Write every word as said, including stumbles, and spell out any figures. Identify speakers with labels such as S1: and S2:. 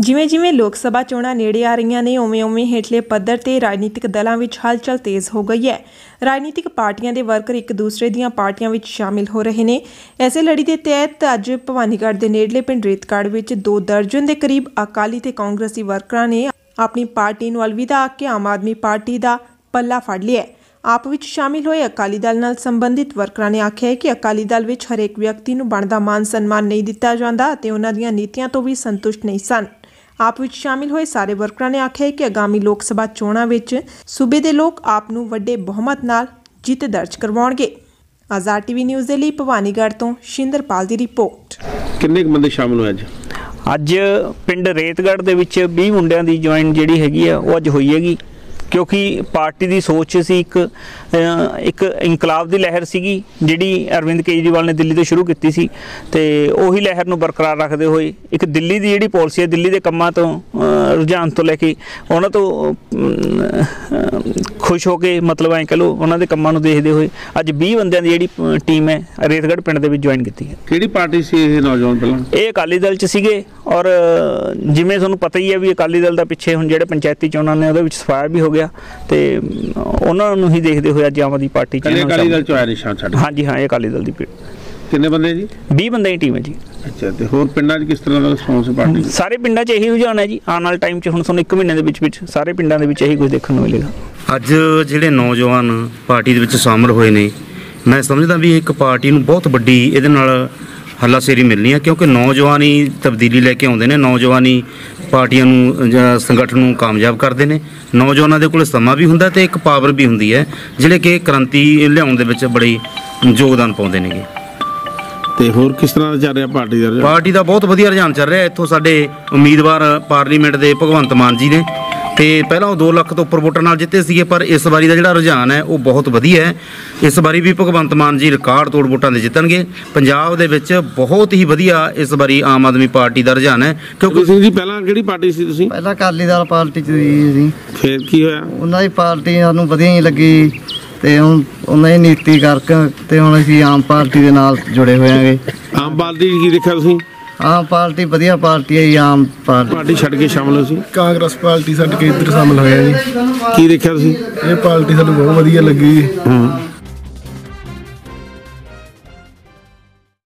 S1: ਜਿਵੇਂ ਜਿਵੇਂ ਲੋਕ ਸਭਾ ਚੋਣਾਂ ਨੇੜੇ ਆ ਰਹੀਆਂ ਨੇ ਉਵੇਂ ਉਵੇਂ ਹੇਠਲੇ ਪੱਧਰ ਤੇ ਰਾਜਨੀਤਿਕ ਦਲਾਂ ਵਿੱਚ ਹਲਚਲ ਤੇਜ਼ ਹੋ ਗਈ ਹੈ। ਰਾਜਨੀਤਿਕ ਪਾਰਟੀਆਂ ਦੇ ਵਰਕਰ ਇੱਕ ਦੂਸਰੇ ਦੀਆਂ ਪਾਰਟੀਆਂ ਵਿੱਚ ਸ਼ਾਮਿਲ ਹੋ ਰਹੇ ਨੇ। ਐਸੇ ਲੜੀ ਦੇ ਤਹਿਤ ਅੱਜ ਭਵਾਨੀਗੜ੍ਹ ਦੇ ਨੇੜਲੇ ਪਿੰਡ ਰੇਤਗੜ੍ਹ ਵਿੱਚ ਦੋ ਦਰਜਨ ਦੇ ਕਰੀਬ ਅਕਾਲੀ ਤੇ ਕਾਂਗਰਸੀ ਵਰਕਰਾਂ ਨੇ ਆਪਣੀ ਪਾਰਟੀ ਨੂੰ ਅਲਵਿਦਾ ਆਖ ਕੇ ਆਮ ਆਦਮੀ ਪਾਰਟੀ ਦਾ ਪੱਲਾ ਫੜ ਲਿਆ। ਆਪ ਵਿੱਚ ਸ਼ਾਮਿਲ ਹੋਏ ਅਕਾਲੀ ਦਲ ਨਾਲ ਸੰਬੰਧਿਤ ਵਰਕਰਾਂ ਨੇ ਆਖਿਆ ਹੈ ਕਿ ਅਕਾਲੀ ਦਲ ਵਿੱਚ ਹਰੇਕ ਵਿਅਕਤੀ ਨੂੰ ਬਣਦਾ ਮਾਨ ਸਨਮਾਨ ਨਹੀਂ ਦਿੱਤਾ ਜਾਂਦਾ ਅਤੇ ਉਹਨਾਂ ਦੀਆਂ ਨੀਤੀਆਂ ਤੋਂ ਵੀ ਸੰਤੁਸ਼ਟ ਨਹੀਂ ਸਨ। ਆਪ ਵਿੱਚ ਸ਼ਾਮਿਲ ਹੋਏ ਸਾਰੇ ਵਰਕਰਾਂ ਨੇ ਆਖਿਆ ਹੈ ਕਿ ਆਗਾਮੀ ਲੋਕ ਸਭਾ ਚੋਣਾਂ ਵਿੱਚ ਸੂਬੇ ਦੇ ਲੋਕ ਆਪ ਨੂੰ ਵੱਡੇ ਬਹੁਮਤ ਨਾਲ ਜਿੱਤ ਦਰਜ ਕਰਵਾਉਣਗੇ। ਆਜ਼ਾਦ ਟੀਵੀ ਨਿਊਜ਼ ਦੇ ਲਈ ਭਵਾਨੀਗੜ੍ਹ ਤੋਂ ਸ਼ਿੰਦਰਪਾਲ ਦੀ ਰਿਪੋਰਟ।
S2: ਕਿੰਨੇ ਬੰਦੇ ਸ਼ਾਮਿਲ ਹੋਏ ਅੱਜ?
S3: ਅੱਜ ਪਿੰਡ ਰੇਤਗੜ੍ਹ ਦੇ ਵਿੱਚ ਵੀਹ ਮੁੰਡਿਆਂ ਦੀ ਜੁਆਇਨ ਜਿਹੜੀ ਹੈਗੀ ਆ ਉਹ ਅੱਜ ਹੋਈ ਹੈਗੀ, क्योंकि पार्टी की सोच सी एक एक इंकलाब की लहर सी जी अरविंद केजरीवाल ने दिल्ली तो शुरू की सी ते उही लहर नूं बरकरार रखते हुए एक दिल्ली की जी पॉलिसी है, दिल्ली के कामों तो रुझान तो लैके उन्होंने तो खुश हो के मतलब ऐ कह लो उन्होंने कामों नूं देखते हुए अज बीस बंदियां दी जी टीम है रेतगढ़ पिंड दे विच ज्वाइन की है।
S2: किहड़ी पार्टी सी ये नौजवान पहलां?
S3: ये अकाली दल च सीगे और जिवें तुहानूं पता ही है भी अकाली दल दा पिछे हुण जिहड़े पंचायती चोणां ने उहदे विच सफाया भी हो गया ते उन्हां नूं ही देखदे होए अज आम आदमी पार्टी च
S2: अकाली दल च आया निशान छड्ड।
S3: हाँ जी हाँ, ये अकाली दल दी
S2: किन्ने बंदे जी?
S3: बीस बंदे की टीम है जी।
S2: अच्छा, ते होर पिंडां च किस तरह दा रिस्पांस है पार्टी?
S3: सारे पिंडां च यही रुझान है जी। आने वाले टाइम च हुण तुहानूं एक महीने दे विच विच सारे पिंडां दे विच यही कुछ देखण नूं मिलेगा।
S4: ਅੱਜ ਜਿਹੜੇ ਨੌਜਵਾਨ ਪਾਰਟੀ ਦੇ ਵਿੱਚ ਸ਼ਾਮਲ ਹੋਏ ਨੇ, ਮੈਂ ਸਮਝਦਾ ਵੀ ਇੱਕ ਪਾਰਟੀ ਨੂੰ ਬਹੁਤ ਵੱਡੀ ਇਹਦੇ ਨਾਲ ਹੱਲਾਸ਼ੇਰੀ ਮਿਲਣੀ ਹੈ, ਕਿਉਂਕਿ ਨੌਜਵਾਨ ਹੀ ਤਬਦੀਲੀ ਲੈ ਕੇ ਆਉਂਦੇ ਨੇ, ਨੌਜਵਾਨ ਹੀ ਪਾਰਟੀਆਂ ਨੂੰ ਜਾਂ ਸੰਗਠਨ ਨੂੰ ਕਾਮਯਾਬ ਕਰਦੇ ਨੇ। ਨੌਜਵਾਨਾਂ ਦੇ ਕੋਲ ਸਮਾਂ ਵੀ ਹੁੰਦਾ ਤੇ ਇੱਕ ਪਾਵਰ ਵੀ ਹੁੰਦੀ ਹੈ ਜਿਹੜੇ ਕਿ ਕ੍ਰਾਂਤੀ ਲਿਆਉਣ ਦੇ ਵਿੱਚ ਬੜੀ ਯੋਗਦਾਨ ਪਾਉਂਦੇ ਨੇਗੇ।
S2: ਤੇ ਹੋਰ ਕਿਸ ਤਰ੍ਹਾਂ ਦਾ ਚੱਲ ਰਿਹਾ ਪਾਰਟੀ ਦਾ?
S4: ਪਾਰਟੀ ਦਾ ਬਹੁਤ ਵਧੀਆ ਰੁਝਾਨ ਚੱਲ ਰਿਹਾ। ਇੱਥੋਂ ਸਾਡੇ ਉਮੀਦਵਾਰ ਪਾਰਲੀਮੈਂਟ ਦੇ ਭਗਵੰਤ ਮਾਨ ਜੀ ਨੇ ਤੇ ਪਹਿਲਾਂ ਉਹ दो ਲੱਖ ਤੋਂ ਉੱਪਰ ਵੋਟਾਂ ਨਾਲ ਜਿੱਤੇ ਸੀਗੇ, ਪਰ ਇਸ ਵਾਰੀ ਦਾ ਜਿਹੜਾ ਰੁਝਾਨ ਹੈ ਉਹ ਬਹੁਤ ਵਧੀਆ ਹੈ। ਇਸ ਵਾਰੀ ਵੀ ਭਗਵੰਤ ਮਾਨ ਜੀ ਰਿਕਾਰਡ ਤੋੜ ਵੋਟਾਂ ਦੇ ਜਿੱਤਣਗੇ। ਪੰਜਾਬ ਦੇ ਵਿੱਚ ਬਹੁਤ ਹੀ ਵਧੀਆ ਇਸ ਵਾਰੀ ਆਮ ਆਦਮੀ ਪਾਰਟੀ ਦਾ ਰੁਝਾਨ ਹੈ।
S2: ਕਿਉਂਕਿ ਤੁਸੀਂ ਜੀ ਪਹਿਲਾਂ ਕਿਹੜੀ ਪਾਰਟੀ ਸੀ ਤੁਸੀਂ?
S5: ਪਹਿਲਾਂ ਅਕਾਲੀ ਦਲ ਪਾਰਟੀ 'ਚ ਸੀ।
S2: ਫਿਰ ਕੀ ਹੋਇਆ? ਉਹਨਾਂ
S5: ਦੀ ਪਾਰਟੀ ਸਾਨੂੰ ਵਧੀਆ ਨਹੀਂ ਲੱਗੀ ਤੇ ਹੁਣ ਉਹਨਾਂ ਦੀ ਨੀਤੀ ਕਰਕੇ ਤੇ ਹੁਣ ਅਸੀਂ ਆਮ ਪਾਰਟੀ ਦੇ ਨਾਲ ਜੁੜੇ ਹੋਏ ਆਂਗੇ।
S2: ਆਮ ਪਾਰਟੀ ਕੀ ਦੇਖਿਆ ਤੁਸੀਂ?
S5: ਆਮ ਪਾਰਟੀ ਵਧੀਆ ਪਾਰਟੀ ਹੈ ਜੀ। ਆਮ ਪਾਰਟੀ
S2: ਪਾਰਟੀ ਛੱਡ ਕੇ ਸ਼ਾਮਲ ਹੋ ਸੀ?
S6: ਕਾਂਗਰਸ ਪਾਰਟੀ ਛੱਡ ਕੇ ਇੱਧਰ ਸ਼ਾਮਲ ਹੋਇਆ ਜੀ।
S2: ਕੀ ਦੇਖਿਆ ਤੁਸੀਂ?
S6: ਇਹ ਪਾਰਟੀ ਸਾਨੂੰ ਬਹੁਤ ਵਧੀਆ ਲੱਗੀ।
S2: ਹਾਂ,